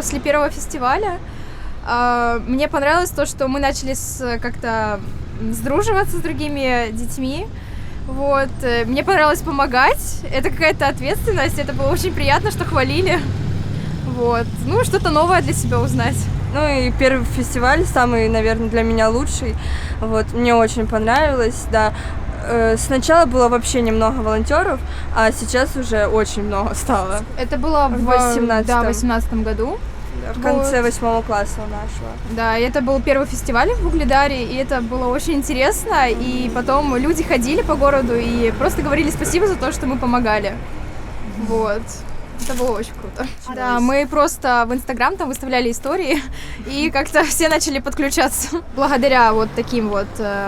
после первого фестиваля. Мне понравилось то, что мы начали как-то сдруживаться с другими детьми. Вот. Мне понравилось помогать. Это какая-то ответственность. Это было очень приятно, что хвалили. Вот. Ну, что-то новое для себя узнать. Ну и первый фестиваль, самый, наверное, для меня лучший. Вот. Мне очень понравилось, да. Сначала было вообще немного волонтеров, а сейчас уже очень много стало. Это было в 18 году. В конце 8 класса нашего. Да, и это был первый фестиваль в Угледаре, и это было очень интересно. И потом люди ходили по городу и просто говорили спасибо за то, что мы помогали. Вот. Это было очень круто. Да, мы просто в Инстаграм там выставляли истории, и как-то все начали подключаться. Благодаря вот таким вот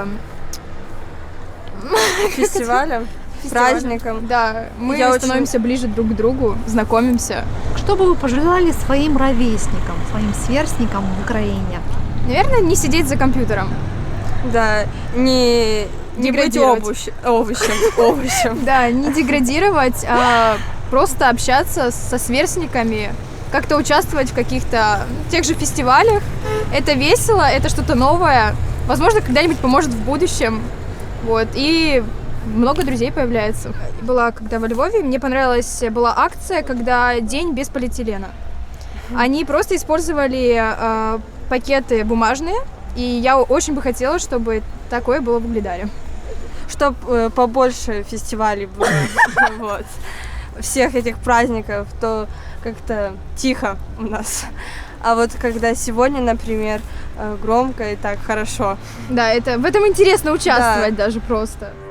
фестивалям, праздникам. Да, мы становимся ближе друг к другу, знакомимся. Что бы вы пожелали своим ровесникам, своим сверстникам в Украине? Наверное, не сидеть за компьютером. Да, не быть овощем. Да, не деградировать, а просто общаться со сверстниками, как-то участвовать в каких-то тех же фестивалях. Это весело, это что-то новое. Возможно, когда-нибудь поможет в будущем. Вот, и много друзей появляется. Была когда во Львове, мне понравилась, была акция, когда день без полиэтилена. Они просто использовали пакеты бумажные, и я очень бы хотела, чтобы такое было в Угледаре. Чтобы побольше фестивалей было, вот, всех этих праздников, то как-то тихо у нас. А вот когда сегодня, например, громко и так хорошо. Да, в этом интересно участвовать даже просто.